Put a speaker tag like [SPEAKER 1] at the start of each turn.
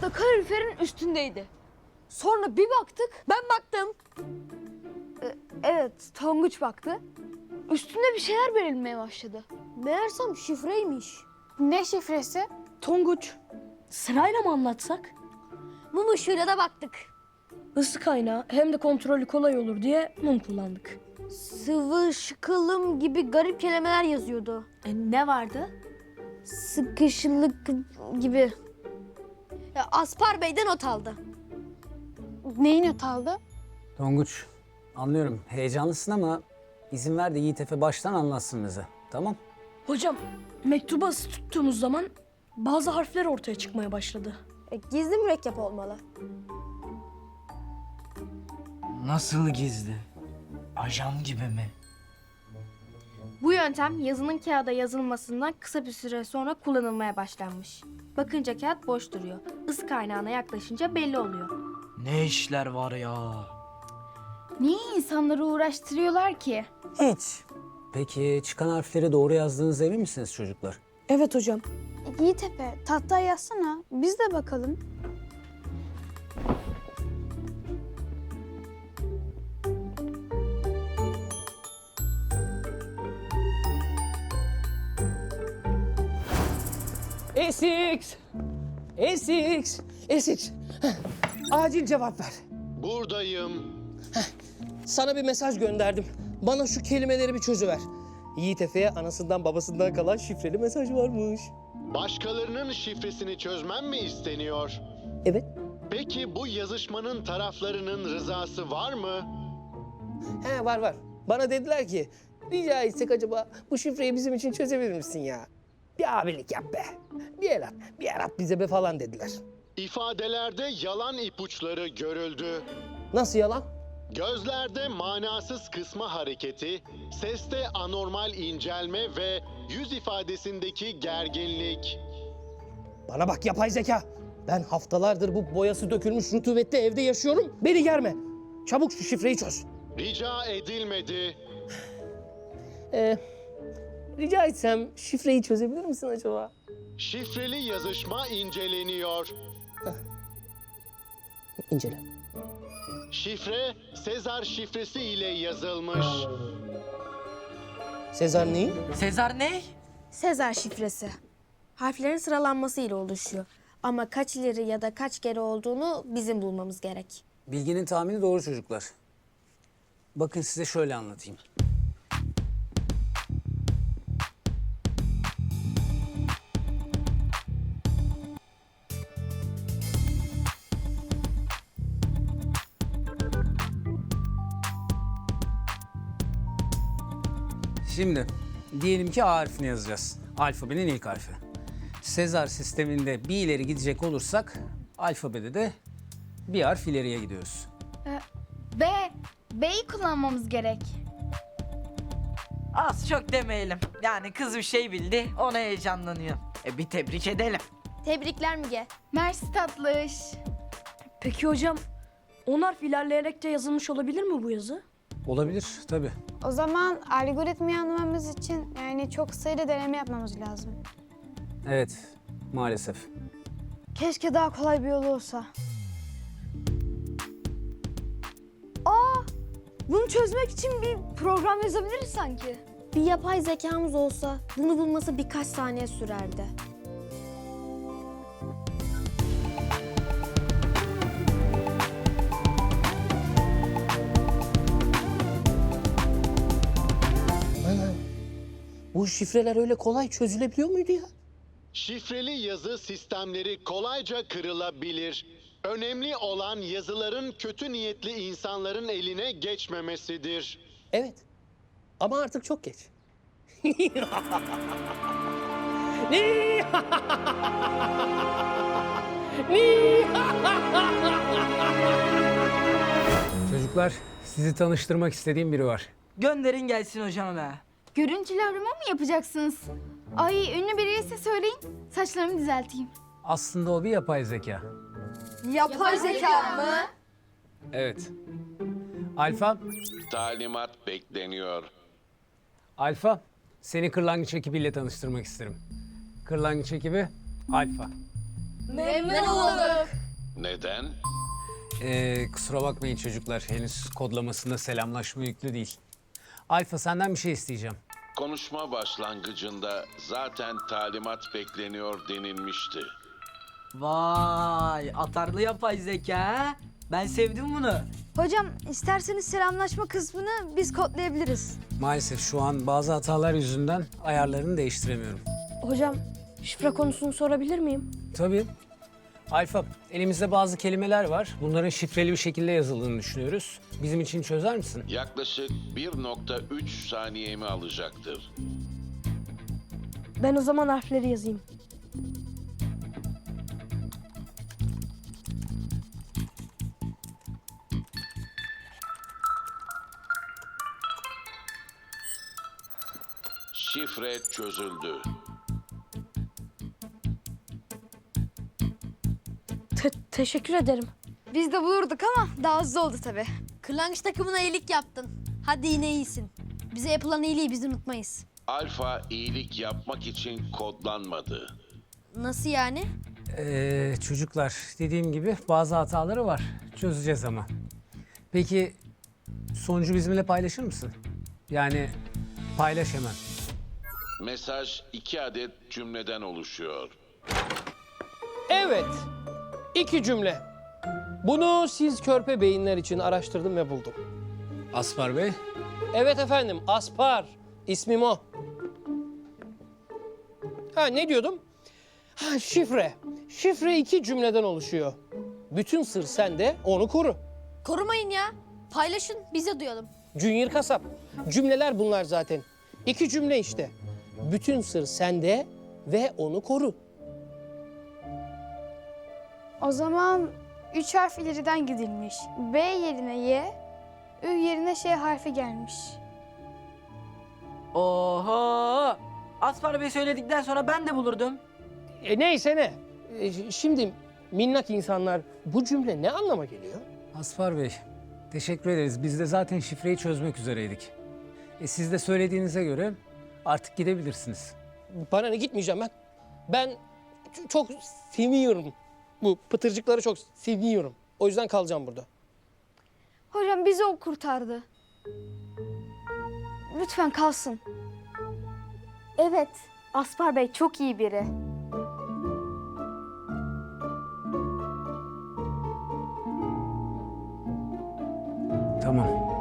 [SPEAKER 1] da kaloriferin üstündeydi. Sonra bir baktık.
[SPEAKER 2] Ben baktım.
[SPEAKER 1] Evet, Tonguç baktı. Üstünde bir şeyler belirmeye başladı.
[SPEAKER 2] Meğersem şifreymiş.
[SPEAKER 3] Ne şifresi?
[SPEAKER 4] Tonguç, sırayla mı anlatsak?
[SPEAKER 2] Mum ışığıyla da baktık.
[SPEAKER 4] Isı kaynağı hem de kontrolü kolay olur diye mum kullandık.
[SPEAKER 2] Sıvı, şıkılım gibi garip kelimeler yazıyordu.
[SPEAKER 3] Ne vardı?
[SPEAKER 2] Sıkışılık gibi. Ya, Aspar Bey de not aldı.
[SPEAKER 3] Neyi not aldı?
[SPEAKER 5] Tonguç, anlıyorum heyecanlısın ama izin ver de Yiğit Efe baştan anlatsın bize. Tamam?
[SPEAKER 4] Hocam, mektubu ısı tuttuğumuz zaman bazı harfler ortaya çıkmaya başladı.
[SPEAKER 2] Gizli mürekkep olmalı.
[SPEAKER 6] Nasıl gizli? Ajan gibi mi?
[SPEAKER 7] Bu yöntem yazının kağıda yazılmasından kısa bir süre sonra kullanılmaya başlanmış. Bakınca kağıt boş duruyor. Isı kaynağına yaklaşınca belli oluyor.
[SPEAKER 6] Ne işler var ya?
[SPEAKER 3] Niye insanları uğraştırıyorlar ki?
[SPEAKER 5] Hiç. Peki çıkan harfleri doğru yazdığınıza emin misiniz çocuklar?
[SPEAKER 4] Evet hocam.
[SPEAKER 3] Yiğitepe, tahtaya yazsana. Biz de bakalım.
[SPEAKER 8] Esix! Esix! Esix! Heh, acil cevap ver.
[SPEAKER 9] Buradayım.
[SPEAKER 8] Sana bir mesaj gönderdim. Bana şu kelimeleri bir çözüver. Yiğit Efe'ye anasından babasından kalan şifreli mesaj varmış.
[SPEAKER 9] Başkalarının şifresini çözmem mi isteniyor?
[SPEAKER 8] Evet.
[SPEAKER 9] Peki bu yazışmanın taraflarının rızası var mı?
[SPEAKER 8] He var. Bana dediler ki rica etsek acaba bu şifreyi bizim için çözebilir misin ya? Bir abilik yap be. Bir el at bize be falan dediler.
[SPEAKER 9] İfadelerde yalan ipuçları görüldü.
[SPEAKER 8] Nasıl yalan?
[SPEAKER 9] Gözlerde manasız kısma hareketi, seste anormal incelme ve yüz ifadesindeki gerginlik.
[SPEAKER 8] Bana bak yapay zeka. Ben haftalardır bu boyası dökülmüş rutubetli evde yaşıyorum. Beni germe. Çabuk şu şifreyi çöz.
[SPEAKER 9] Rica edilmedi.
[SPEAKER 8] Rica etsem şifreyi çözebilir misin acaba?
[SPEAKER 9] Şifreli yazışma inceleniyor.
[SPEAKER 8] İncele.
[SPEAKER 9] Şifre Sezar şifresi ile yazılmış.
[SPEAKER 8] Sezar neyi?
[SPEAKER 6] Sezar ne?
[SPEAKER 7] Sezar şifresi. Harflerin sıralanması ile oluşuyor. Ama kaç ileri ya da kaç geri olduğunu bizim bulmamız gerek.
[SPEAKER 5] Bilginin tahmini doğru çocuklar. Bakın size şöyle anlatayım. Şimdi diyelim ki A harfini yazacağız. Alfabenin ilk harfi. Sezar sisteminde bir ileri gidecek olursak alfabede de bir harf ileriye gidiyoruz.
[SPEAKER 3] B'yi kullanmamız gerek.
[SPEAKER 6] Az çok demeyelim. Yani kız bir şey bildi, ona heyecanlanıyor. Bir tebrik edelim.
[SPEAKER 2] Tebrikler Müge.
[SPEAKER 3] Mersi tatlış.
[SPEAKER 4] Peki hocam, 10 harf ilerleyerek de yazılmış olabilir mi bu yazı?
[SPEAKER 5] Olabilir tabii.
[SPEAKER 3] O zaman algoritmayı anlamamız için yani çok sayıda deneme yapmamız lazım.
[SPEAKER 5] Evet, maalesef.
[SPEAKER 1] Keşke daha kolay bir yolu olsa. Bunu çözmek için bir program yazabiliriz sanki.
[SPEAKER 7] Bir yapay zekamız olsa bunu bulması birkaç saniye sürerdi.
[SPEAKER 8] Bu şifreler öyle kolay çözülebiliyor muydu ya?
[SPEAKER 9] Şifreli yazı sistemleri kolayca kırılabilir. Önemli olan yazıların kötü niyetli insanların eline geçmemesidir.
[SPEAKER 8] Evet. Ama artık çok geç.
[SPEAKER 5] Çocuklar, sizi tanıştırmak istediğim biri var.
[SPEAKER 6] Gönderin gelsin hocam be.
[SPEAKER 3] Görüntülü arama mı yapacaksınız? Ay ünlü biriyse söyleyin. Saçlarımı düzelteyim.
[SPEAKER 5] Aslında o bir yapay zeka.
[SPEAKER 1] Yapay zeka mı?
[SPEAKER 5] Evet. Alfa,
[SPEAKER 9] Talimat bekleniyor.
[SPEAKER 1] Memnun olduk.
[SPEAKER 9] Neden?
[SPEAKER 5] Kusura bakmayın çocuklar. Henüz kodlamasında selamlaşma yüklü değil. Alfa senden bir şey isteyeceğim.
[SPEAKER 9] Konuşma başlangıcında zaten talimat bekleniyor denilmişti.
[SPEAKER 6] Vay, atarlı yapay zeka ha? Ben sevdim bunu.
[SPEAKER 2] Hocam isterseniz selamlaşma kısmını biz kodlayabiliriz.
[SPEAKER 5] Maalesef şu an bazı hatalar yüzünden ayarlarını değiştiremiyorum.
[SPEAKER 4] Hocam şifre konusunu sorabilir miyim?
[SPEAKER 5] Tabii. Alfa, elimizde bazı kelimeler var. Bunların şifreli bir şekilde yazıldığını düşünüyoruz. Bizim için çözer misin?
[SPEAKER 9] Yaklaşık 1.3 saniyemi alacaktır.
[SPEAKER 4] Ben o zaman harfleri yazayım.
[SPEAKER 9] Şifre çözüldü.
[SPEAKER 4] Teşekkür ederim.
[SPEAKER 2] Biz de bulurduk ama daha hızlı oldu tabii. Kırlangıç takımına iyilik yaptın. Hadi yine iyisin. Bize yapılan iyiliği biz unutmayız.
[SPEAKER 9] Alfa iyilik yapmak için kodlanmadı.
[SPEAKER 2] Nasıl yani?
[SPEAKER 5] Çocuklar, dediğim gibi bazı hataları var. Çözeceğiz ama. Peki sonucu bizimle paylaşır mısın? Yani paylaş hemen.
[SPEAKER 9] Mesaj 2 adet cümleden oluşuyor.
[SPEAKER 8] Evet. 2 cümle. Bunu siz körpe beyinler için araştırdım ve buldum.
[SPEAKER 5] Aspar Bey,
[SPEAKER 8] Evet efendim, Aspar. İsmim o. Ha, ne diyordum? Ha, şifre. Şifre 2 cümleden oluşuyor. Bütün sır sende, onu koru.
[SPEAKER 2] Korumayın ya. Paylaşın, biz de duyalım.
[SPEAKER 8] Junior kasap. Cümleler bunlar zaten. 2 cümle işte. Bütün sır sende ve onu koru.
[SPEAKER 3] O zaman 3 harf ileriden gidilmiş. B yerine Y, Ü yerine Ş harfi gelmiş.
[SPEAKER 6] Oho! Aspar Bey söyledikten sonra ben de bulurdum.
[SPEAKER 8] Neyse ne. Şimdi minnak insanlar, bu cümle ne anlama geliyor?
[SPEAKER 5] Aspar Bey, teşekkür ederiz. Biz de zaten şifreyi çözmek üzereydik. Siz de söylediğinize göre artık gidebilirsiniz.
[SPEAKER 8] Bana ne, gitmeyeceğim ben. Ben çok seviyorum. Bu pıtırcıkları çok seviyorum. O yüzden kalacağım burada.
[SPEAKER 3] Hocam bizi o kurtardı. Lütfen kalsın. Evet, Aspar Bey çok iyi biri.
[SPEAKER 5] Tamam.